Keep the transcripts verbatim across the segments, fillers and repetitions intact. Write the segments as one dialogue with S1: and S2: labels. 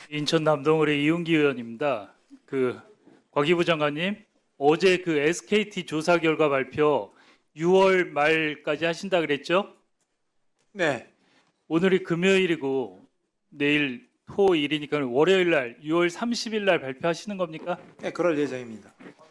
S1: 인천 남동을의 이용기 의원입니다. 그 과기부 장관님, 어제 그 에스케이티 조사 결과 발표 유월 말까지 하신다 그랬죠?
S2: 네,
S1: 오늘이 금요일이고 내일 토일이니까 월요일 날 유월 삼십일 날 발표하시는 겁니까?
S2: 네, 그럴 예정입니다.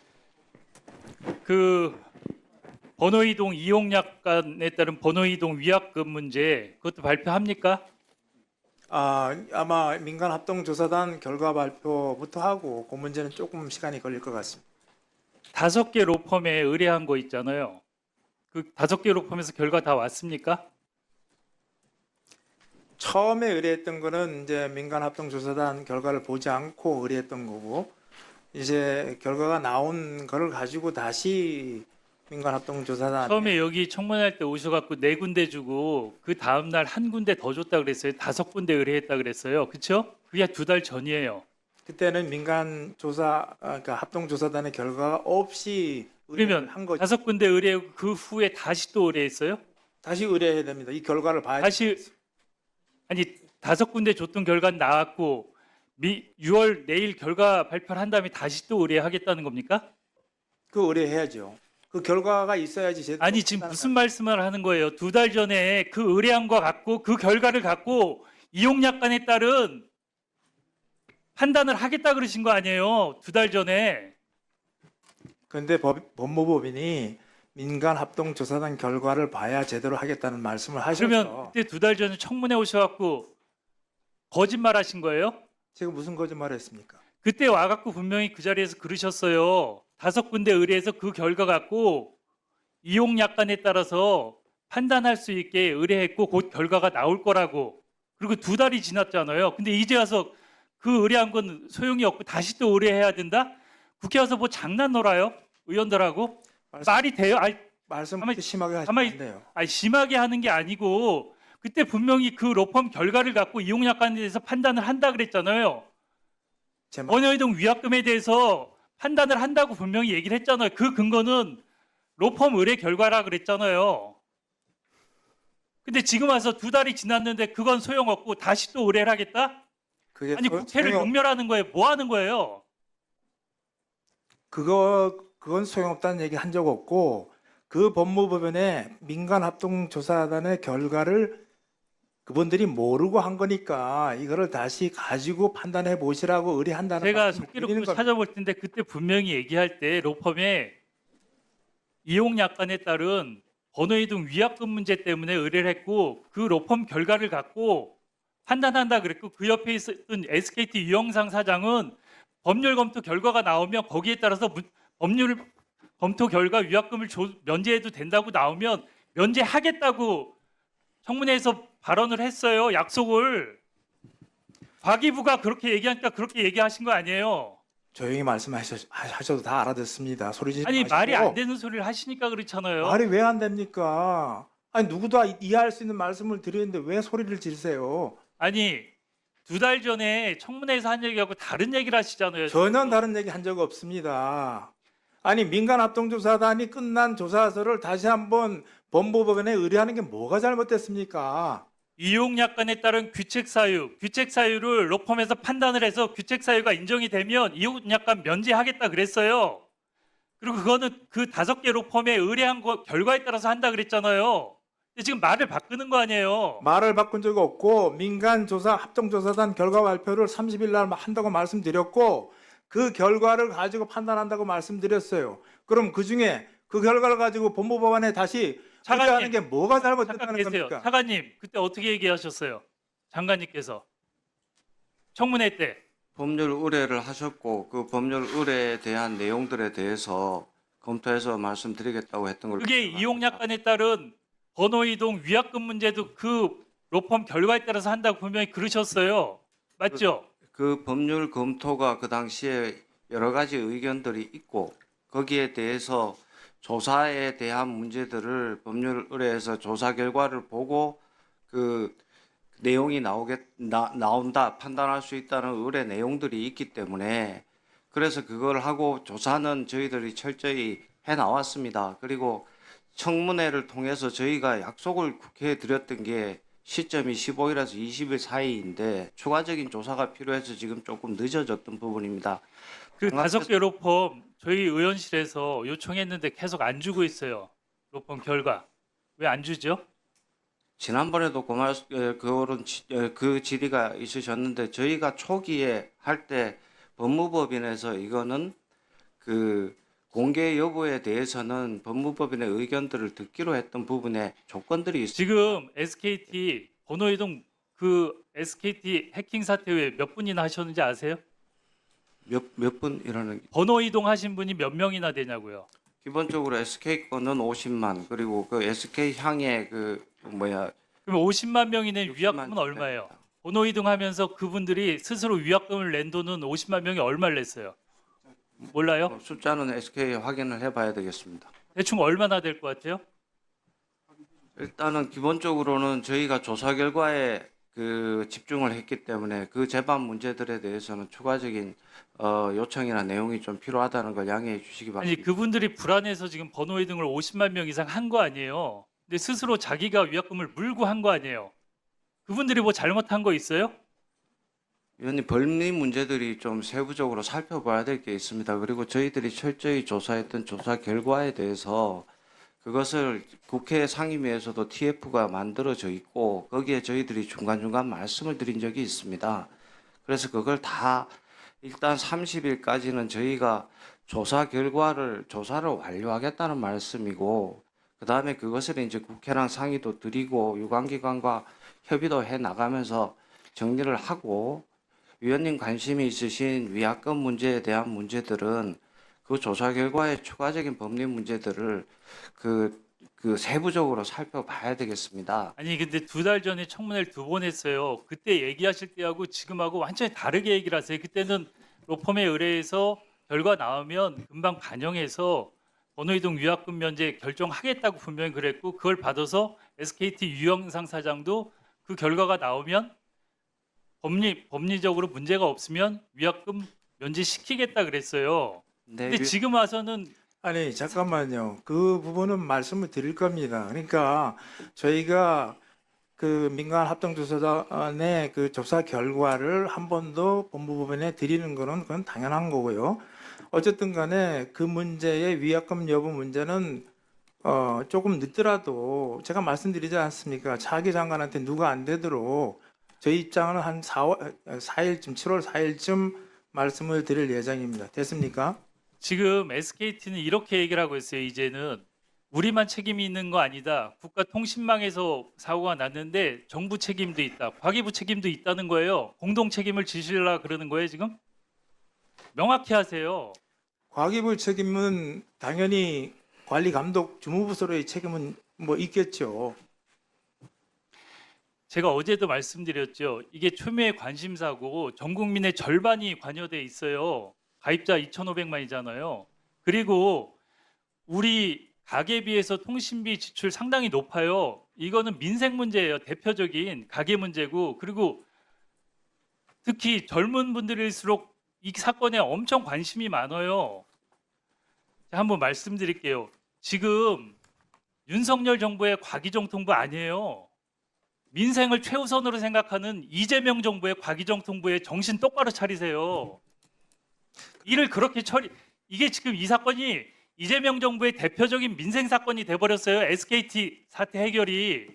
S1: 그 번호 이동 이용 약관에 따른 번호 이동 위약금 문제 그것도 발표합니까?
S2: 아, 아마 민간 합동조사단 결과 발표부터 하고 그 문제는 조금 시간이 걸릴 것 같습니다.
S1: 다섯 개 로펌에 의뢰한 거 있잖아요. 그 다섯 개 로펌에서 결과 다 왔습니까?
S2: 처음에 의뢰했던 거는 이제 민간 합동조사단 결과를 보지 않고 의뢰했던 거고, 이제 결과가 나온 거를 가지고 다시 민간 합동조사단
S1: 처음에 여기 청문회할 때 오셔갖고 네 군데 주고 그 다음 날 한 군데 더 줬다 그랬어요. 다섯 군데 의뢰했다 그랬어요. 그렇죠? 그게 두 달 전이에요.
S2: 그때는 민간 조사, 아, 그러니까 합동조사단의 결과가 없이 의뢰를
S1: 그러면
S2: 한 거죠.
S1: 다섯 군데 의뢰하고 그 후에 다시 또 의뢰했어요?
S2: 다시 의뢰해야 됩니다. 이 결과를 봐야
S1: 다시 아니 다섯 군데 줬던 결과는 나왔고 미, 유월 내일 결과 발표를 한 다음에 다시 또 의뢰하겠다는 겁니까?
S2: 그 의뢰해야죠. 그 결과가 있어야지 제대로
S1: 아니 지금
S2: 판단을
S1: 무슨 말씀을 하는 거예요? 두 달 전에 그 의뢰한 거 갖고 그 결과를 갖고 이용 약관에 따른 판단을 하겠다 그러신 거 아니에요? 두 달 전에.
S2: 그런데 법, 법무법인이 민간 합동조사단 결과를 봐야 제대로 하겠다는 말씀을 하셔서
S1: 그러면 그때 두 달 전에 청문회 오셔갖고 거짓말 하신 거예요?
S2: 제가 무슨 거짓말을 했습니까?
S1: 그때 와갖고 분명히 그 자리에서 그러셨어요. 다섯 군데 의뢰해서 그 결과 갖고 이용 약관에 따라서 판단할 수 있게 의뢰했고 곧 결과가 나올 거라고. 그리고 두 달이 지났잖아요. 근데 이제 와서 그 의뢰한 건 소용이 없고 다시 또 의뢰해야 된다? 국회 와서 뭐 장난 놀아요? 의원들하고?
S2: 말씀,
S1: 말이 돼요? 아니,
S2: 말씀
S1: 가만히-
S2: 심하게 하시면
S1: 가만히-
S2: 안 돼요.
S1: 아니 심하게 하는 게 아니고 그때 분명히 그 로펌 결과를 갖고 이용 약관에 대해서 판단을 한다 그랬잖아요.
S2: 제 말,
S1: 원효이동 위약금에 대해서 판단을 한다고 분명히 얘기를 했잖아요. 그 근거는 로펌 의뢰 결과라 그랬잖아요. 근데 지금 와서 두 달이 지났는데 그건 소용없고 다시 또 의뢰를 하겠다?
S2: 그게
S1: 아니
S2: 소-
S1: 국회를
S2: 소용-
S1: 용멸하는 거예요. 뭐 하는 거예요?
S2: 그거 그건 소용없다는 얘기 한 적 없고, 그 법무법인의 민간 합동조사단의 결과를 그분들이 모르고 한 거니까 이거를 다시 가지고 판단해 보시라고 의뢰한다는
S1: 제가
S2: 말씀을 드리는
S1: 속기록도
S2: 겁니다.
S1: 찾아볼 텐데 그때 분명히 얘기할 때 로펌에 이용 약관에 따른 번호이동 위약금 문제 때문에 의뢰를 했고 그 로펌 결과를 갖고 판단한다 그랬고 그 옆에 있었던 에스케이티 유영상 사장은 법률 검토 결과가 나오면 거기에 따라서 문- 법률 검토 결과 위약금을 조- 면제해도 된다고 나오면 면제하겠다고 청문회에서 발언을 했어요. 약속을. 과기부가 그렇게 얘기하니까 그렇게 얘기하신 거 아니에요.
S2: 조용히 말씀하셔도 다 알아듣습니다. 소리 지르지
S1: 아니
S2: 마시고.
S1: 말이 안 되는 소리를 하시니까 그렇잖아요.
S2: 말이 왜 안 됩니까? 아니 누구도 이해할 수 있는 말씀을 드리는데 왜 소리를 지르세요?
S1: 아니 두 달 전에 청문회에서 한 얘기하고 다른 얘기를 하시잖아요.
S2: 전혀 다른 얘기 한 적 없습니다. 아니 민간 합동조사단이 끝난 조사서를 다시 한번 법무법인에 의뢰하는 게 뭐가 잘못됐습니까?
S1: 이용 약관에 따른 규책 사유, 규책 사유를 로펌에서 판단을 해서 규책 사유가 인정이 되면 이용 약관 면제하겠다 그랬어요. 그리고 그거는 그 다섯 개 로펌에 의뢰한 거 결과에 따라서 한다 그랬잖아요. 근데 지금 말을 바꾸는 거 아니에요.
S2: 말을 바꾼 적 없고 민간 조사 합동조사단 결과 발표를 삼십 일 날 한다고 말씀드렸고 그 결과를 가지고 판단한다고 말씀드렸어요. 그럼 그 중에 그 결과를 가지고 법무법원에 다시
S1: 차관님,
S2: 의뢰하는 게 뭐가
S1: 잠깐
S2: 잘못됐다는
S1: 계세요.
S2: 겁니까?
S1: 차관님 그때 어떻게 얘기하셨어요? 장관님께서 청문회 때
S3: 법률 의뢰를 하셨고 그 법률 의뢰에 대한 내용들에 대해서 검토해서 말씀드리겠다고 했던 걸
S1: 그게
S3: 기억합니다.
S1: 이용 약관에 따른 번호 이동 위약금 문제도 그 로펌 결과에 따라서 한다고 분명히 그러셨어요. 맞죠?
S3: 그 법률 검토가 그 당시에 여러 가지 의견들이 있고 거기에 대해서 조사에 대한 문제들을 법률 의뢰에서 조사 결과를 보고 그 내용이 나오겠 나, 나온다 판단할 수 있다는 의뢰 내용들이 있기 때문에 그래서 그걸 하고 조사는 저희들이 철저히 해 나왔습니다. 그리고 청문회를 통해서 저희가 약속을 국회에 드렸던 게 시점이 십오 일에서 이십 일 사이인데 추가적인 조사가 필요해서 지금 조금 늦어졌던 부분입니다.
S1: 그
S3: 장학회-
S1: 다섯 개 로펌 저희 의원실에서 요청했는데 계속 안 주고 있어요. 로펌 결과 왜 안 주죠?
S3: 지난번에도 그 말, 에, 그런 지- 에, 그 질의가 있으셨는데 저희가 초기에 할 때 법무법인에서 이거는 그 공개 여부에 대해서는 법무법인의 의견들을 듣기로 했던 부분에 조건들이 있습니다.
S1: 지금 에스케이티 번호이동 그 에스케이티 해킹 사태 후에 몇 분이나 하셨는지 아세요?
S3: 몇, 몇 분 이라는
S1: 번호 이동하신 분이 몇 명이나 되냐고요.
S3: 기본적으로 에스케이 거는 오십만 그리고 그 에스케이 향의 그 뭐야
S1: 그럼 오십만 명이 낸
S3: 육십만
S1: 위약금은 얼마예요? 번호 이동하면서 그분들이 스스로 위약금을 낸 돈은 오십만 명이 얼마를 냈어요? 몰라요?
S3: 어, 숫자는 에스케이 확인을 해봐야 되겠습니다.
S1: 대충 얼마나 될 것 같아요?
S3: 일단은 기본적으로는 저희가 조사 결과에 그 집중을 했기 때문에 그 재반 문제들에 대해서는 추가적인 어, 요청이나 내용이 좀 필요하다는 걸 양해해 주시기
S1: 아니
S3: 바랍니다.
S1: 그분들이 불안해서 지금 번호 이동을 오십만 명 이상 한 거 아니에요? 근데 스스로 자기가 위약금을 물고 한 거 아니에요? 그분들이 뭐 잘못한 거 있어요?
S3: 위원님 법리 문제들이 좀 세부적으로 살펴봐야 될 게 있습니다. 그리고 저희들이 철저히 조사했던 조사 결과에 대해서 그것을 국회 상임위에서도 티에프가 만들어져 있고 거기에 저희들이 중간중간 말씀을 드린 적이 있습니다. 그래서 그걸 다 일단 삼십 일까지는 저희가 조사 결과를 조사를 완료하겠다는 말씀이고 그다음에 그것을 이제 국회랑 상의도 드리고 유관기관과 협의도 해 나가면서 정리를 하고 위원님 관심이 있으신 위약금 문제에 대한 문제들은 그 조사 결과의 추가적인 법리 문제들을 그, 그 세부적으로 살펴봐야 되겠습니다.
S1: 아니 근데 두 달 전에 청문회를 두 번 했어요. 그때 얘기하실 때하고 지금하고 완전히 다르게 얘기를 하세요. 그때는 로펌에 의뢰해서 결과 나오면 금방 반영해서 번호이동 위약금 면제 결정하겠다고 분명히 그랬고 그걸 받아서 에스케이티 유영상 사장도 그 결과가 나오면 법리, 법리적으로 문제가 없으면 위약금 면제시키겠다 그랬어요.
S3: 네,
S1: 근데
S3: 위-
S1: 지금 와서는
S2: 아니 잠깐만요. 그 부분은 말씀을 드릴 겁니다. 그러니까 저희가 그 민간 합동조사단의 그 조사 결과를 한 번 더 법무부에 드리는 거는 그건 당연한 거고요. 어쨌든 간에 그 문제의 위약금 여부 문제는 어 조금 늦더라도 제가 말씀드리지 않습니까? 차기 장관한테 누가 안 되도록 저희 입장은 한 사월, 사일쯤 칠월 사일쯤 말씀을 드릴 예정입니다. 됐습니까?
S1: 지금 에스케이티는 이렇게 얘기를 하고 있어요. 이제는 우리만 책임이 있는 거 아니다. 국가통신망에서 사고가 났는데 정부 책임도 있다. 과기부 책임도 있다는 거예요. 공동 책임을 지시려고 그러는 거예요, 지금? 명확히 하세요.
S2: 과기부 책임은 당연히 관리 감독 주무부서로의 책임은 뭐 있겠죠.
S1: 제가 어제도 말씀드렸죠. 이게 초미의 관심사고 전 국민의 절반이 관여돼 있어요. 가입자 이천오백만이잖아요. 그리고 우리 가계에 비해서 통신비 지출 상당히 높아요. 이거는 민생 문제예요. 대표적인 가계 문제고 그리고 특히 젊은 분들일수록 이 사건에 엄청 관심이 많아요. 자, 한번 말씀드릴게요. 지금 윤석열 정부의 과기정통부 아니에요. 민생을 최우선으로 생각하는 이재명 정부의 과기정통부의 정신 똑바로 차리세요. 이를 그렇게 처리 이게 지금 이 사건이 이재명 정부의 대표적인 민생 사건이 돼버렸어요. 에스케이티 사태 해결이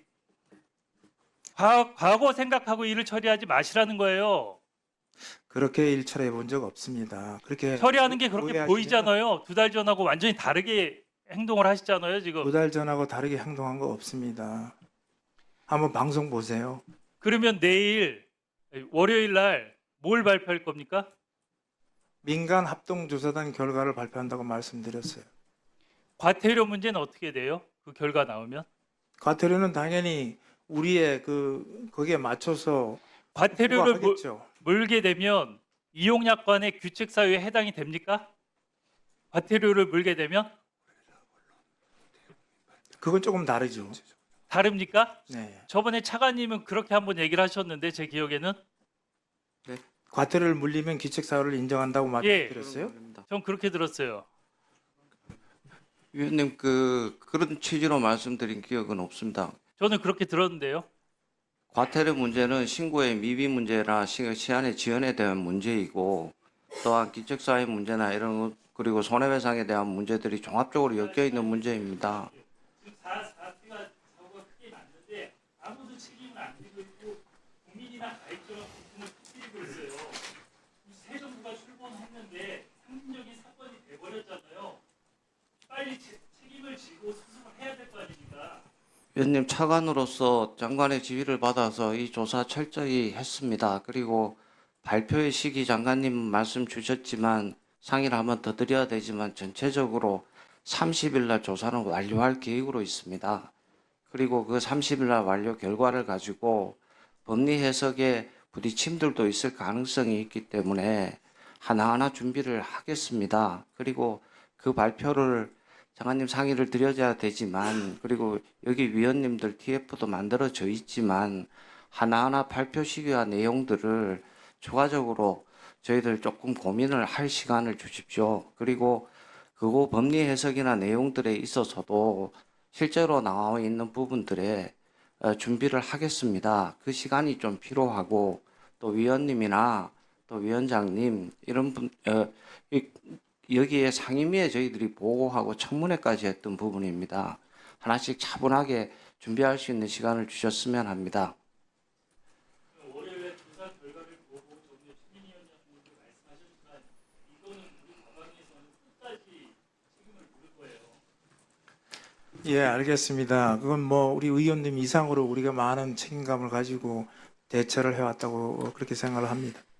S1: 과, 과거 생각하고 일을 처리하지 마시라는 거예요.
S2: 그렇게 일처리해 본 적 없습니다. 그렇게
S1: 처리하는 게 그렇게
S2: 오해하시면
S1: 보이잖아요. 두 달 전하고 완전히 다르게 행동을 하시잖아요. 지금.
S2: 두 달 전하고 다르게 행동한 거 없습니다. 한번 방송 보세요.
S1: 그러면 내일 월요일 날 뭘 발표할 겁니까?
S2: 민간 합동조사단 결과를 발표한다고 말씀드렸어요.
S1: 과태료 문제는 어떻게 돼요? 그 결과 나오면
S2: 과태료는 당연히 우리의 그 거기에 맞춰서
S1: 과태료를 물-
S2: 하겠죠.
S1: 물게 되면 이용약관의 규칙 사유에 해당이 됩니까? 과태료를 물게 되면
S2: 그건 조금 다르죠.
S1: 다릅니까?
S2: 네.
S1: 저번에 차관님은 그렇게 한번 얘기를 하셨는데 제 기억에는
S2: 과태료를 물리면 기책 사유를 인정한다고
S1: 예.
S2: 말씀드렸어요.
S1: 전 그렇게 들었어요.
S3: 위원님 그 그런 취지로 말씀드린 기억은 없습니다.
S1: 저는 그렇게 들었는데요.
S3: 과태료 문제는 신고의 미비 문제나 시- 시한의 지연에 대한 문제이고 또한 기적사회 문제나 이런 것, 그리고 손해배상에 대한 문제들이 종합적으로 엮여 있는 문제입니다.
S1: 지금 사, 사태가 사고가 크게 났는데 아무도 책임을 안 지고 있고 국민이나 가입자가 고통을 터뜨리고 있어요. 새 정부가 출범했는데 상징적인 사건이 돼버렸잖아요. 빨리 제- 책임을 지고 수습을 해야 될 거 아닙니까?
S3: 위원님, 차관으로서 장관의 지휘를 받아서 이 조사 철저히 했습니다. 그리고 발표의 시기 장관님 말씀 주셨지만 상의를 한번 더 드려야 되지만 전체적으로 삼십 일 날 조사는 완료할 계획으로 있습니다. 그리고 그 삼십 일 날 완료 결과를 가지고 법리 해석에 부딪힘들도 있을 가능성이 있기 때문에 하나하나 준비를 하겠습니다. 그리고 그 발표를 장관님 상의를 드려야 되지만, 그리고 여기 위원님들 티에프도 만들어져 있지만 하나하나 발표 시기와 내용들을 추가적으로 저희들 조금 고민을 할 시간을 주십시오. 그리고 그거 법리 해석이나 내용들에 있어서도 실제로 나와 있는 부분들에 어, 준비를 하겠습니다. 그 시간이 좀 필요하고 또 위원님이나 또 위원장님 이런 분 어, 이- 여기에 상임위에 저희들이 보고하고 청문회까지 했던 부분입니다. 하나씩 차분하게 준비할 수 있는 시간을 주셨으면 합니다.
S1: 월요일에 조사 결과를 보고 정부 추미위원장님도 말씀하셨지만 이거는 우리 과방에서는 끝까지 책임을 물을 거예요.
S2: 예, 알겠습니다. 그건 뭐 우리 의원님 이상으로 우리가 많은 책임감을 가지고 대처를 해왔다고 그렇게 생각을 합니다.